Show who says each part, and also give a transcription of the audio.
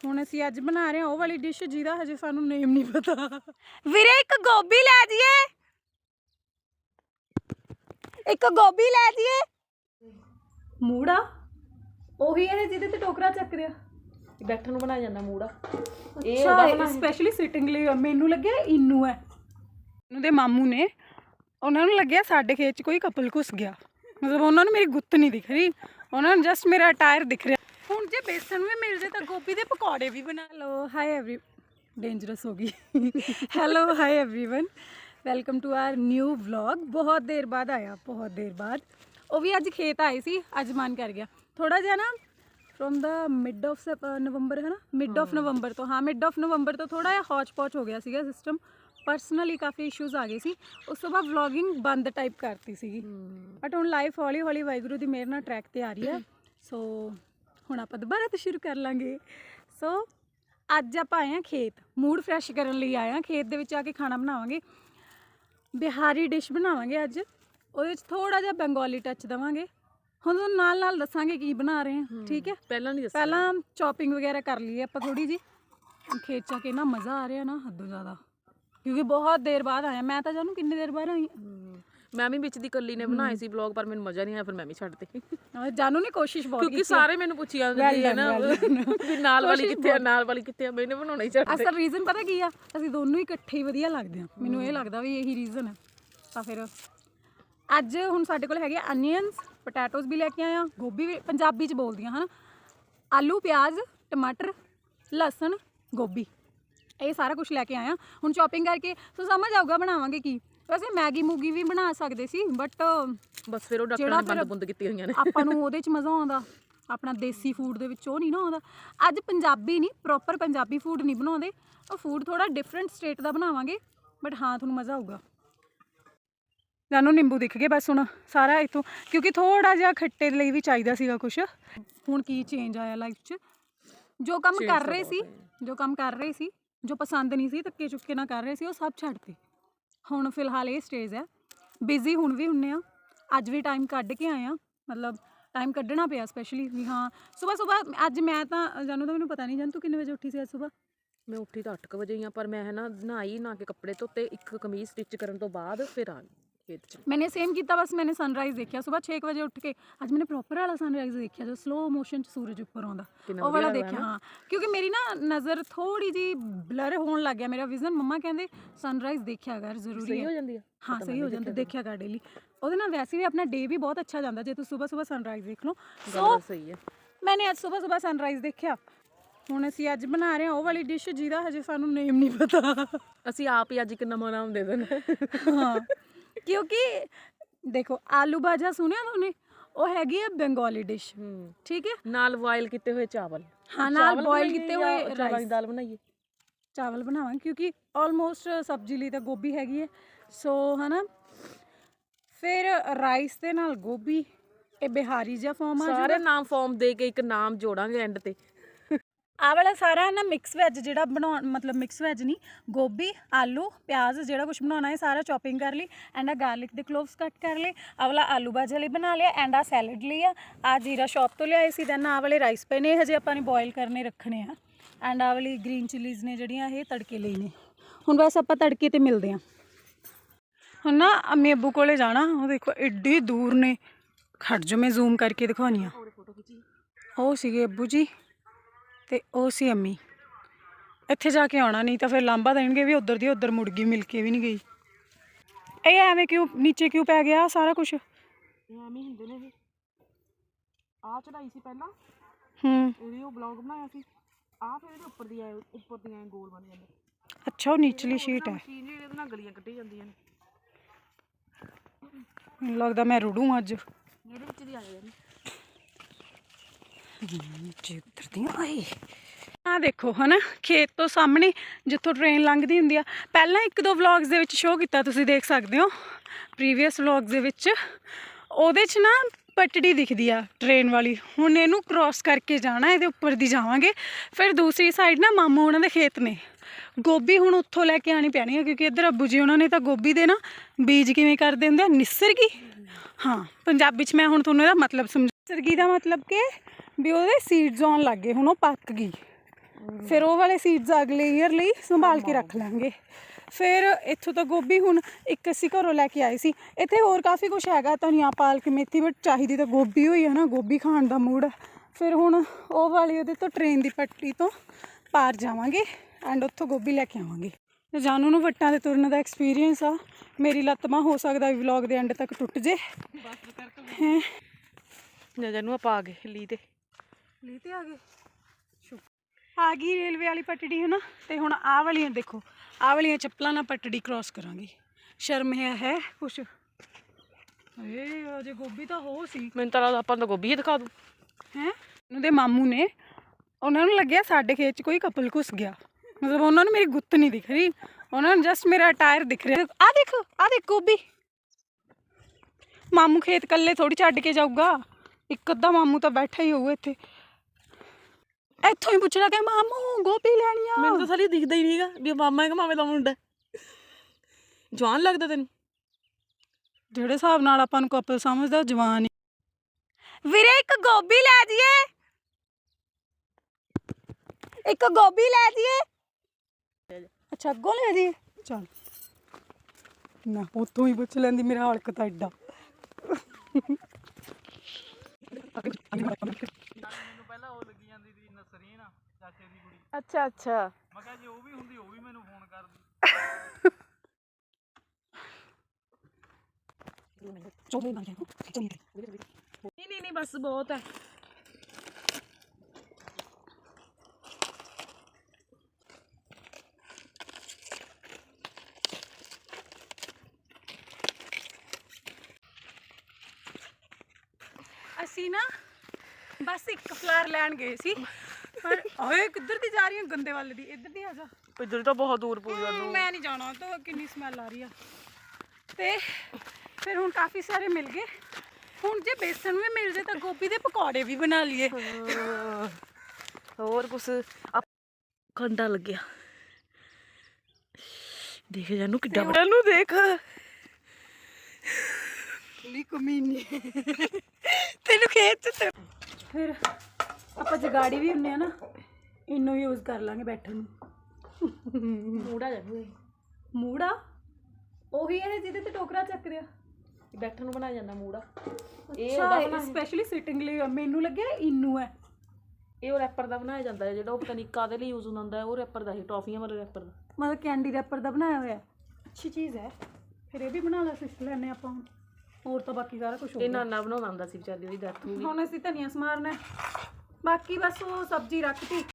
Speaker 1: ਹੁਣ ਅਸੀਂ ਅੱਜ ਬਣਾ ਰਹੇ ਹਾਂ ਉਹ ਵਾਲੀ ਡਿਸ਼ ਜਿਹਦਾ ਹਜੇ ਸਾਨੂੰ ਨੇਮ ਨਹੀਂ ਪਤਾ। ਵੀਰੇ ਇੱਕ ਗੋਭੀ ਲੈ ਜੀਏ, ਇੱਕ ਗੋਭੀ ਲੈ ਜੀਏ। ਮੂੜਾ ਉਹੀ ਹੈ ਜਿਹਦੇ ਤੇ ਟੋਕਰਾ ਚੱਕ ਰਿਹਾ,
Speaker 2: ਬੈਠਣ ਨੂੰ ਬਣਾਇਆ ਜਾਂਦਾ ਮੂੜਾ।
Speaker 1: ਇਹ ਸਪੈਸ਼ਲੀ ਸਿਟਿੰਗ ਲਈ। ਮੈਨੂੰ ਲੱਗਿਆ ਇਨੂੰ ਹੈ, ਇਹਨੂੰ ਦੇ ਮਾਮੂ ਨੇ, ਉਹਨਾਂ ਨੂੰ ਲੱਗਿਆ ਸਾਡੇ ਖੇਤ 'ਚ ਕੋਈ ਕਪਲ ਘੁਸ ਗਿਆ, ਮਤਲਬ ਉਹਨਾਂ ਨੂੰ ਮੇਰੀ ਗੁੱਤ ਨਹੀਂ ਦਿਖ ਰਹੀ, ਉਹਨਾਂ ਨੂੰ ਜਸਟ ਮੇਰਾ ਟਾਇਰ ਦਿਖ ਰਿਹਾ। ਹੁਣ ਜੇ ਬੇਸਨ ਵੀ ਮਿਲ ਜਾਏ ਤਾਂ ਗੋਭੀ ਦੇ ਪਕੌੜੇ ਵੀ ਬਣਾ ਲਓ। ਹਾਈ ਐਵਰੀ ਡੇਂਜਰਸ ਹੋ ਗਈ। Hello hi everyone, welcome to our new vlog. ਬਹੁਤ ਦੇਰ ਬਾਅਦ ਆਇਆ, ਬਹੁਤ ਦੇਰ ਬਾਅਦ। ਉਹ ਵੀ ਅੱਜ ਖੇਤ ਆਏ ਸੀ, ਅੱਜ ਮਨ ਕਰ ਗਿਆ ਥੋੜਾ ਜਿਹਾ ਨਾ from the mid of November, ਹੈ ਨਾ, ਮਿਡ ਆਫ ਨਵੰਬਰ ਤੋਂ, ਹਾਂ ਮਿਡ ਆਫ ਨਵੰਬਰ ਤੋਂ ਥੋੜਾ ਜਿਹਾ ਹੌਚ ਪੌਚ ਹੋ ਗਿਆ ਸੀਗਾ ਸਿਸਟਮ। ਪਰਸਨਲੀ ਕਾਫੀ ਇਸ਼ੂਜ਼ ਆ ਗਏ ਸੀ, ਉਸ ਤੋਂ ਬਾਅਦ ਵਲੌਗਿੰਗ ਬੰਦ ਟਾਈਪ ਕਰਤੀ ਸੀਗੀ। ਬਟ ਹੁਣ ਲਾਈਫ ਹੌਲੀ ਹੌਲੀ ਵਾਹਿਗੁਰੂ ਦੀ ਮਿਹਰ ਨਾਲ ਟਰੈਕ ਤੇ ਆ ਰਹੀ ਹੈ। ਸੋ ਹੁਣ ਆਪਾਂ ਦੁਬਾਰਾ ਤੋਂ ਸ਼ੁਰੂ ਕਰ ਲਾਂਗੇ। ਸੋ ਅੱਜ ਆਪਾਂ ਆਏ ਹਾਂ ਖੇਤ, ਮੂਡ ਫਰੈਸ਼ ਕਰਨ ਲਈ ਆਏ ਹਾਂ। ਖੇਤ ਦੇ ਵਿੱਚ ਆ ਕੇ ਖਾਣਾ ਬਣਾਵਾਂਗੇ, ਬਿਹਾਰੀ ਡਿਸ਼ ਬਣਾਵਾਂਗੇ ਅੱਜ। ਉਹਦੇ ਵਿੱਚ ਥੋੜਾ ਜਿਹਾ ਬੰਗਾਲੀ ਟੱਚ ਦੇਵਾਂਗੇ। ਹੁਣ ਤੁਹਾਨੂੰ ਨਾਲ ਨਾਲ ਦੱਸਾਂਗੇ ਕੀ ਬਣਾ ਰਹੇ ਹਾਂ, ਠੀਕ ਹੈ। ਪਹਿਲਾਂ ਚੌਪਿੰਗ ਵਗੈਰਾ ਕਰ ਲਈਏ ਆਪਾਂ ਥੋੜੀ ਜੀ। ਖੇਤ 'ਚ ਆ ਕੇ ਨਾ ਮਜ਼ਾ ਆ ਰਿਹਾ ਨਾ ਹੱਦੋਂ ਜ਼ਿਆਦਾ, ਕਿਉਂਕਿ ਬਹੁਤ ਦੇਰ ਬਾਅਦ ਆਇਆ। ਮੈਂ ਤਾਂ ਜਾਣੂ ਕਿੰਨੀ ਦੇਰ ਬਾਅਦ ਆਈ।
Speaker 2: ਮੈਂ ਵੀ ਵਿੱਚ ਦੀ ਕੱਲੀ ਨੇ ਬਣਾਏ ਸੀ ਵਲੌਗ, ਪਰ ਮੈਨੂੰ ਮਜ਼ਾ ਨਹੀਂ ਆਇਆ, ਫਿਰ ਮੈਂ ਵੀ ਛੱਡਤੇ।
Speaker 1: ਜਾਨੂ ਨੇ ਕੋਸ਼ਿਸ਼ ਬਹੁਤ ਕੀਤੀ,
Speaker 2: ਕਿਉਂਕਿ ਸਾਰੇ ਮੈਨੂੰ ਪੁੱਛੀ ਜਾਂਦੇ ਨੇ ਨਾ ਵੀ ਨਾਲ ਵਾਲੀ ਕਿੱਥੇ ਆ, ਨਾਲ ਵਾਲੀ ਕਿੱਥੇ ਆ, ਮੈਨੇ ਬਣਾਉਣਾ ਹੀ ਛੱਡਤੇ।
Speaker 1: ਅਸਲ ਰੀਜ਼ਨ ਪਤਾ ਕੀ ਆ, ਅਸੀਂ ਦੋਨੋਂ ਹੀ ਇਕੱਠੇ ਹੀ ਵਧੀਆ ਲੱਗਦੇ ਆ। ਮੈਨੂੰ ਇਹ ਲੱਗਦਾ ਵੀ ਇਹੀ ਰੀਜ਼ਨ ਹੈ। ਤਾਂ ਫਿਰ ਅੱਜ ਹੁਣ ਸਾਡੇ ਕੋਲ ਹੈਗੇ ਅਨੀਅਨਸ, ਪੋਟੈਟੋਸ ਵੀ ਲੈ ਕੇ ਆਏ ਆ, ਗੋਭੀ ਵੀ, ਪੰਜਾਬੀ 'ਚ ਬੋਲਦੀਆਂ ਹਨ, ਆਲੂ, ਪਿਆਜ਼, ਟਮਾਟਰ, ਲਸਣ, ਗੋਭੀ, ਇਹ ਸਾਰਾ ਕੁਝ ਲੈ ਕੇ ਆਏ ਆ। ਹੁਣ ਚੌਪਿੰਗ ਕਰਕੇ ਸੋ ਸਮਝ ਆਊਗਾ ਬਣਾਵਾਂਗੇ ਕੀ। ਵੈਸੇ ਮੈਗੀ ਮੂਗੀ ਵੀ ਬਣਾ ਸਕਦੇ ਸੀ, ਬਟ
Speaker 2: ਬਸ ਫਿਰ ਉਹ ਡਾਕਟਰਾਂ ਨੇ ਬੰਦ ਬੁੰਦ ਕੀਤੀਆਂ ਹੋਈਆਂ ਨੇ।
Speaker 1: ਆਪਾਂ ਨੂੰ ਉਹਦੇ 'ਚ ਮਜ਼ਾ ਆਉਂਦਾ, ਆਪਣਾ ਦੇਸੀ ਫੂਡ ਦੇ ਵਿੱਚ ਉਹ ਨਹੀਂ ਨਾ ਆਉਂਦਾ। ਅੱਜ ਪੰਜਾਬੀ ਨਹੀਂ, ਪ੍ਰੋਪਰ ਪੰਜਾਬੀ ਫੂਡ ਨਹੀਂ ਬਣਾਉਂਦੇ, ਉਹ ਫੂਡ ਥੋੜਾ ਡਿਫਰੈਂਟ ਸਟੇਟ ਦਾ ਬਣਾਵਾਂਗੇ। ਬਟ ਹਾਂ ਤੁਹਾਨੂੰ ਮਜ਼ਾ ਆਊਗਾ। ਸਾਨੂੰ ਨਿੰਬੂ ਦਿਖ ਗਏ ਬਸ ਹੁਣ ਸਾਰਾ ਇੱਥੋਂ, ਕਿਉਂਕਿ ਥੋੜਾ ਜਿਹਾ ਖੱਟੇ ਲਈ ਵੀ ਚਾਹੀਦਾ ਸੀਗਾ ਕੁਛ। ਹੁਣ ਕੀ ਚੇਂਜ ਆਇਆ ਲਾਈਫ 'ਚ, ਜੋ ਕੰਮ ਕਰ ਰਹੇ ਸੀ, ਜੋ ਪਸੰਦ ਨਹੀਂ ਸੀ, ਧੱਕੇ ਚੁੱਕੇ ਨਾ ਕਰ ਰਹੇ ਸੀ, ਉਹ ਸਭ ਛੱਡਤੇ। ਹੁਣ ਫਿਲਹਾਲ ਇਹ ਸਟੇਜ ਹੈ। ਬਿਜ਼ੀ ਹੁਣ ਵੀ ਹੁੰਨੇ ਆ, ਅੱਜ ਵੀ ਟਾਈਮ ਕੱਢ ਕੇ ਆਏ ਆ, ਮਤਲਬ ਟਾਈਮ ਕੱਢਣਾ ਪਿਆ ਸਪੈਸ਼ਲੀ ਵੀ। ਹਾਂ ਸੁਬਾਹ ਅੱਜ ਮੈਂ ਤਾਂ ਜਾਨੂੰ ਤਾਂ ਮੈਨੂੰ ਪਤਾ ਨਹੀਂ, ਜਾਨ ਤੂੰ ਕਿੰਨੇ ਵਜੇ ਉੱਠੀ ਸੀ ਅੱਜ ਸੁਬਾਹ?
Speaker 2: ਮੈਂ ਉੱਠੀ ਤਾਂ 8 ਵਜੇ ਹੀ ਆ, ਪਰ ਮੈਂ ਹੈ ਨਾ ਨਹਾਈ, ਨਹਾ ਕੇ ਕੱਪੜੇ ਧੋਤੇ, ਇੱਕ ਕਮੀਜ਼ ਸਟਿਚ ਕਰਨ ਤੋਂ ਬਾਅਦ ਫਿਰ ਆ ਗਈ ਖੇਤ 'ਚ।
Speaker 1: मैंने सेम किया, बस मैंने सनराइज देखा सुबह 6 बजे उठ के। आज मैंने प्रॉपर वाला सनराइज देखा जो स्लो मोशन च सूरज ऊपर आਉਂਦਾ, ਉਹ ਵਾਲਾ देखा। हाँ क्योंकि मेरी ना नज़र थोड़ी जी ब्लर होने लग गया, मेरा विजन। मम्मा कहते सनराइज देखा कर, जरूरी है। हाँ सही हो जाती, देखा कर डेली। ਉਹਦੇ ਨਾਲ ਵੈਸੇ ਵੀ ਆਪਣਾ ਡੇ ਵੀ ਬਹੁਤ ਅੱਛਾ ਜਾਂਦਾ ਜੇ ਤੂੰ ਸੁਬਹ ਸਨਰਾਈਜ਼ ਦੇਖ ਲਓ। ਸੋ
Speaker 2: ਸਹੀ ਹੈ,
Speaker 1: ਮੈਨੇ ਅੱਜ ਸੁਬਹ ਸਨਰਾਈਜ਼ ਦੇਖਿਆ। ਹੁਣ ਅਸੀਂ ਅੱਜ ਬਣਾ ਰਹੇ ਹਾਂ ਉਹ ਵਾਲੀ ਡਿਸ਼ ਜਿਹਦਾ ਹਜੇ ਸਾਨੂੰ ਨੇਮ ਨਹੀਂ ਪਤਾ।
Speaker 2: ਅਸੀਂ ਆਪ ਹੀ ਅੱਜ ਇੱਕ ਨਵਾਂ ਨਾਮ ਦੇ ਦੇਣਾ।
Speaker 1: ਹਾਂ क्योंकि देखो आलू भाजा सुने तुमने, वो हैगी है बंगाली डिश, ठीक है।
Speaker 2: नाल बॉयल किते हुए चावल,
Speaker 1: हाँ नाल बॉयल किते हुए
Speaker 2: चावल दी दाल बनाइए,
Speaker 1: चावल बनावांगे क्योंकि ऑलमोस्ट सब्जी ਲਈ ਤਾਂ ਗੋਭੀ ਹੈਗੀ ਹੈ। ਸੋ ਹੈ ਨਾ, ਫਿਰ ਰਾਈਸ ਦੇ ਨਾਲ ਗੋਭੀ, ਇਹ ਬਿਹਾਰੀ ਜਿਹਾ ਫਾਰਮ ਆ।
Speaker 2: ਸਾਰੇ ਨਾਮ ਫਾਰਮ ਦੇ ਕੇ ਇੱਕ ਨਾਮ ਜੋੜਾਂਗੇ ਐਂਡ ਤੇ।
Speaker 1: ਆਹ ਵਾਲਾ ਸਾਰਾ ਨਾ ਮਿਕਸ ਵੈਜ ਜਿਹੜਾ ਬਣਾਉਣ, ਮਤਲਬ ਮਿਕਸ ਵੈਜ ਨਹੀਂ, ਗੋਭੀ, ਆਲੂ, ਪਿਆਜ਼, ਜਿਹੜਾ ਕੁਝ ਬਣਾਉਣਾ ਹੈ ਸਾਰਾ ਚੌਪਿੰਗ ਕਰ ਲਈ। ਐਂਡ ਆ ਗਾਰਲਿਕ ਦੇ ਕਲੋਵਸ ਕੱਟ ਕਰ ਲਏ। ਆਹ ਵਾਲਾ ਆਲੂ ਭਾਜਾ ਲਈ ਬਣਾ ਲਿਆ। ਐਂਡ ਆ ਸੈਲਡ ਲਈ ਆ ਜੀਰਾ ਸ਼ੌਪ ਤੋਂ ਲਿਆਏ ਸੀ। ਦੈਨ ਆਹ ਵਾਲੇ ਰਾਈਸ ਪਏ ਨੇ, ਹਜੇ ਆਪਾਂ ਨੇ ਬੋਇਲ ਕਰਨੇ ਰੱਖਣੇ ਆ। ਐਂਡ ਆਹ ਵਾਲੀ ਗ੍ਰੀਨ ਚਿਲੀਜ਼ ਨੇ ਜਿਹੜੀਆਂ, ਇਹ ਤੜਕੇ ਲਈ ਨੇ। ਹੁਣ ਬਸ ਆਪਾਂ ਤੜਕੇ 'ਤੇ ਮਿਲਦੇ ਹਾਂ। ਹੁਣ ਨਾ ਅੰਮੀ ਅੱਬੂ ਕੋਲੇ ਜਾਣਾ, ਉਹ ਦੇਖੋ ਐਡੀ ਦੂਰ ਨੇ। ਖੜ ਜੋ ਮੈਂ ਜ਼ੂਮ ਕਰਕੇ ਦਿਖਾਉਣੀ ਆ। ਉਹ ਸੀਗੇ ਅੱਬੂ ਜੀ ਤੇ ਉਹ ਸੀ ਅੰਮੀ। ਇੱਥੇ ਜਾ ਕੇ ਆਉਣਾ, ਨਹੀਂ ਤਾਂ ਫਿਰ ਲਾਂਭਾ ਦੇਣਗੇ ਵੀ ਉੱਧਰ ਦੀ ਉੱਧਰ ਮੁੜ ਗਈ, ਮਿਲ ਕੇ ਵੀ ਨਹੀਂ ਗਈ। ਇਹ ਐਵੇਂ ਕਿਉਂ ਨੀਚੇ ਕਿਉਂ ਪੈ ਗਿਆ ਸਾਰਾ ਕੁਛ?
Speaker 2: ਐਵੇਂ ਹੁੰਦੇ ਨੇ ਇਹ। ਆਹ ਚੜਾਈ ਸੀ ਪਹਿਲਾਂ, ਇਹਦੀ ਉਹ ਬਲੌਗ ਬਣਾਇਆ ਸੀ। ਆਹ ਫਿਰ ਇਹਦੇ ਉੱਪਰ ਦੀਆਂ ਗੋਲ ਬਣ ਜਾਂਦੇ।
Speaker 1: ਅੱਛਾ ਉਹ ਨੀਚਲੀ ਸ਼ੀਟ ਹੈ।
Speaker 2: ਇਹਦੇ ਨਾਲ ਗਲੀਆਂ ਕੱਢੀ ਜਾਂਦੀਆਂ ਨੇ।
Speaker 1: ਮੈਨੂੰ ਲੱਗਦਾ ਮੈਂ ਰੁੜੂ ਅੱਜ।
Speaker 2: ਇਹਦੇ ਵਿੱਚ ਦੀ ਆ ਜਾਂਦੇ
Speaker 1: ਆ ਦੇਖੋ ਹੈ ਨਾ, ਖੇਤ ਤੋਂ ਸਾਹਮਣੇ ਜਿੱਥੋਂ ਟ੍ਰੇਨ ਲੰਘਦੀ ਹੁੰਦੀ ਆ। ਪਹਿਲਾਂ 1-2 ਵਲੌਗਸ ਦੇ ਵਿੱਚ ਸ਼ੋਅ ਕੀਤਾ, ਤੁਸੀਂ ਦੇਖ ਸਕਦੇ ਹੋ ਪ੍ਰੀਵੀਅਸ ਵਲੌਗਸ ਦੇ ਵਿੱਚ। ਉਹਦੇ 'ਚ ਨਾ ਪਟੜੀ ਦਿਖਦੀ ਆ ਟ੍ਰੇਨ ਵਾਲੀ। ਹੁਣ ਇਹਨੂੰ ਕ੍ਰੋਸ ਕਰਕੇ ਜਾਣਾ, ਇਹਦੇ ਉੱਪਰ ਦੀ ਜਾਵਾਂਗੇ। ਫਿਰ ਦੂਸਰੀ ਸਾਈਡ ਨਾ ਮਾਮੂ ਉਹਨਾਂ ਦੇ ਖੇਤ ਨੇ। ਗੋਭੀ ਹੁਣ ਉੱਥੋਂ ਲੈ ਕੇ ਆਉਣੀ ਪੈਣੀ ਆ, ਕਿਉਂਕਿ ਇੱਧਰ ਅੱਬੂ ਜੀ ਉਹਨਾਂ ਨੇ ਤਾਂ ਗੋਭੀ ਦੇ ਨਾ ਬੀਜ ਕਿਵੇਂ ਕਰਦੇ ਹੁੰਦੇ ਆ, ਨਿਸਰ ਗਈ। ਹਾਂ ਪੰਜਾਬੀ 'ਚ ਮੈਂ ਹੁਣ ਤੁਹਾਨੂੰ ਇਹਦਾ ਮਤਲਬ ਸਮਝਾ। ਨਿਸਰ ਗਈ ਦਾ ਮਤਲਬ ਕਿ ਵੀ ਉਹਦੇ ਸੀਡਸ ਆਉਣ ਲੱਗ ਗਏ, ਹੁਣ ਉਹ ਪੱਕ ਗਈ। ਫਿਰ ਉਹ ਵਾਲੇ ਸੀਡਸ ਅਗਲੇ ਈਅਰ ਲਈ ਸੰਭਾਲ ਕੇ ਰੱਖ ਲਾਂਗੇ। ਫਿਰ ਇੱਥੋਂ ਤਾਂ ਗੋਭੀ ਹੁਣ ਇੱਕ ਅਸੀਂ ਘਰੋਂ ਲੈ ਕੇ ਆਏ ਸੀ। ਇੱਥੇ ਹੋਰ ਕਾਫੀ ਕੁਛ ਹੈਗਾ, ਧਨੀਆ ਪਾਲਕ ਮੇਥੀ, ਬਟ ਚਾਹੀਦੀ ਤਾਂ ਗੋਭੀ ਹੋਈ ਹੈ ਨਾ, ਗੋਭੀ ਖਾਣ ਦਾ ਮੂਡ। ਫਿਰ ਹੁਣ ਉਹ ਵਾਲੀ ਉਹਦੇ ਤੋਂ ਟ੍ਰੇਨ ਦੀ ਪੱਟੜੀ ਤੋਂ ਪਾਰ ਜਾਵਾਂਗੇ ਐਂਡ ਉੱਥੋਂ ਗੋਭੀ ਲੈ ਕੇ ਆਵਾਂਗੇ। ਜਾਨੂ ਨੂੰ ਵੱਟਾਂ 'ਤੇ ਤੁਰਨ ਦਾ ਐਕਸਪੀਰੀਅੰਸ ਆ। ਮੇਰੀ ਲੱਤ ਬਾਂਹ ਹੋ ਸਕਦਾ ਵਲੌਗ ਦੇ ਐਂਡ ਤੱਕ ਟੁੱਟ ਜੇ। ਹੈਂ
Speaker 2: ਜਾਨੂ ਆਪਾਂ ਆ ਗਏ ਲੀ ਤੇ
Speaker 1: ਆ ਗਏ, ਆ ਗਈ ਰੇਲਵੇ ਵਾਲੀ ਪਟੜੀ ਹੈ ਨਾ। ਤੇ ਹੁਣ ਆਹ ਵਾਲੀਆਂ ਦੇਖੋ, ਆਹ ਵਾਲੀਆਂ ਚੱਪਲਾਂ ਨਾਲ ਪਟੜੀ ਕ੍ਰੋਸ ਕਰਾਂਗੇ। ਸ਼ਰਮ ਹੈ ਕੁਛ। ਅਜੇ ਗੋਭੀ ਤਾਂ ਹੋ ਸੀ।
Speaker 2: ਮੈਨੂੰ ਤਾਂ ਲੱਗਦਾ ਆਪਾਂ ਨੂੰ ਗੋਭੀ ਹੀ ਦਿਖਾ ਦੂ
Speaker 1: ਹੈਂ। ਉਹਦੇ ਮਾਮੂ ਨੇ, ਉਹਨਾਂ ਨੂੰ ਲੱਗਿਆ ਸਾਡੇ ਖੇਤ 'ਚ ਕੋਈ ਕਪਲ ਘੁਸ ਗਿਆ। ਮਤਲਬ ਉਹਨਾਂ ਨੂੰ ਮੇਰੀ ਗੁੱਤ ਨਹੀਂ ਦਿਖ ਰਹੀ, ਉਹਨਾਂ ਨੂੰ ਜਸਟ ਮੇਰਾ ਟਾਇਰ ਦਿਖ ਰਿਹਾ। ਆਹ ਦੇਖ ਗੋਭੀ। ਮਾਮੂ ਖੇਤ ਇਕੱਲੇ ਥੋੜੀ ਛੱਡ ਕੇ ਜਾਊਗਾ, ਇੱਕ ਅੱਧਾ ਮਾਮੂ ਤਾਂ ਬੈਠਾ ਹੀ ਹੋਊ ਇੱਥੇ। ਇੱਥੋਂ ਹੀ ਪੁੱਛਣਾ ਕਿ ਮਾਮੂ ਗੋਭੀ ਲੈਣੀ ਆ।
Speaker 2: ਮੈਨੂੰ ਤਾਂ ਸਾਲੀ ਦਿਖਦਾ ਹੀ ਨਹੀਂਗਾ ਵੀ ਮਾਮਾ ਹੈ ਕਿ ਮਾਮੇ ਦਾ ਮੁੰਡਾ। ਜਵਾਨ ਲੱਗਦਾ ਤੈਨੂੰ?
Speaker 1: ਜਿਹੜੇ ਹਿਸਾਬ ਨਾਲ ਆਪਾਂ ਨੂੰ ਕਪਲ ਸਮਝਦਾ ਜਵਾਨ ਹੀ। ਵੀਰੇ ਇੱਕ ਗੋਭੀ ਲੈ ਜੀਏ, ਇੱਕ ਗੋਭੀ ਲੈ ਜੀਏ। ਅੱਛਾ ਅੱਗੋਂ ਲੈ ਜੀਏ, ਚੱਲ ਨਾ ਉੱਥੋਂ ਹੀ ਪੁੱਛ ਲੈਂਦੀ। ਮੇਰਾ ਹਲਕ ਤਾਂ ਐਡਾ।
Speaker 3: ਪਹਿਲਾਂ ਉਹ ਲੱਗੀ ਜਾਂਦੀ ਸੀ ਨਸਰੀਨ ਚਾਚੇ ਦੀ ਕੁੜੀ।
Speaker 2: ਅੱਛਾ ਅੱਛਾ।
Speaker 3: ਮੈਂ ਕਿਹਾ ਜੇ ਉਹ ਵੀ ਹੁੰਦੀ ਉਹ ਵੀ ਮੈਨੂੰ ਫੋਨ ਕਰਦੀ।
Speaker 2: ਨਹੀਂ ਬਸ ਬਹੁਤ ਹੈ।
Speaker 1: ਅਸੀਂ ਨਾ ਬਸ ਇੱਕ ਫਲਾਰ ਲੈਣ ਗਏ ਸੀ, ਪਰ ਓਏ ਕਿੱਧਰ ਦੀ ਜਾ ਰਹੀ ਹੈ? ਗੰਦੇ ਵੱਲ ਦੀ। ਇੱਧਰ ਦੀ ਆ ਜਾ।
Speaker 2: ਇੱਧਰ ਤਾਂ ਬਹੁਤ ਦੂਰ ਪਊ ਜਾਨੂੰ।
Speaker 1: ਮੈਂ ਨਹੀਂ ਜਾਣਾ, ਤਾਂ ਕਿੰਨੀ ਸਮੈਲ ਆ ਰਹੀ ਆ। ਤੇ ਫਿਰ ਹੁਣ ਕਾਫੀ ਸਾਰੇ ਮਿਲ ਗਏ। ਹੁਣ ਜੇ ਬੇਸਣ ਵੀ ਮਿਲ ਜੇ ਤਾਂ ਗੋਭੀ ਦੇ ਪਕੌੜੇ ਵੀ ਬਣਾ ਲਈਏ।
Speaker 2: ਹੋਰ ਕੁਛ ਕੰਡਾ ਲੱਗਿਆ। ਦੇਖ ਜਾਨੂੰ ਕਿੱਡਾ ਵੱਡਾ ਨੂੰ ਦੇਖ।
Speaker 1: ਕਮੀਨੀ ਤੈਨੂੰ ਖੇਤ ਚ। ਫਿਰ ਆਪਾਂ ਜਗਾੜੀ ਵੀ ਹੁੰਨੇ ਆ ਨਾ, ਇਹਨੂੰ ਯੂਜ਼ ਕਰ ਲਾਂਗੇ ਬੈਠਣ ਨੂੰ।
Speaker 2: ਮੂੜਾ ਜਾਨੂੰ
Speaker 1: ਮੂੜਾ ਉਹੀ ਹੈ ਜਿਹਦੇ ਤੇ ਟੋਕਰਾ ਚੱਕਦੇ ਆ,
Speaker 2: ਬੈਠਣ ਨੂੰ ਬਣਾਇਆ ਜਾਂਦਾ ਮੂੜਾ।
Speaker 1: ਇਹ ਸਪੈਸ਼ਲੀ ਸਿਟਿੰਗ ਲਈ। ਮੈਨੂੰ ਲੱਗਿਆ ਇਨੂ ਹੈ।
Speaker 2: ਇਹ ਉਹ ਰੈਪਰ ਦਾ ਬਣਾਇਆ ਜਾਂਦਾ ਹੈ, ਜਿਹੜਾ ਉਹ ਪਤਾ ਨਹੀਂ ਕਾਹਦੇ ਲਈ ਯੂਜ਼ ਹੁੰਦਾ ਹੈ। ਉਹ ਰੈਪਰ ਦਾ ਹੀ ਟੌਫੀਆਂ ਵਾਲੇ ਰੈਪਰ ਦਾ,
Speaker 1: ਮਤਲਬ ਕੈਂਡੀ ਰੈਪਰ ਦਾ ਬਣਾਇਆ ਹੋਇਆ। ਅੱਛੀ ਚੀਜ਼ ਹੈ। ਫਿਰ ਇਹ ਵੀ ਬਣਾ ਲਾ, ਸਿੱਖ ਲੈਂਦੇ ਆਪਾਂ ਹੁਣ। ਹੋਰ ਤਾਂ ਬਾਕੀ ਸਾਰਾ ਕੁਝ
Speaker 2: ਇਹ ਨਾਨਾ ਬਣਾਉਂਦਾ ਹੁੰਦਾ ਸੀ ਵਿਚਾਰੀ, ਉਹਦੀ ਡੈਥ ਹੋ ਗਈ।
Speaker 1: ਹੁਣ ਅਸੀਂ ਧਨੀਆ ਸਮਾਰਨਾ, ਬਾਕੀ ਬਸ ਉਹ ਸਬਜ਼ੀ ਰੱਖਤੀ।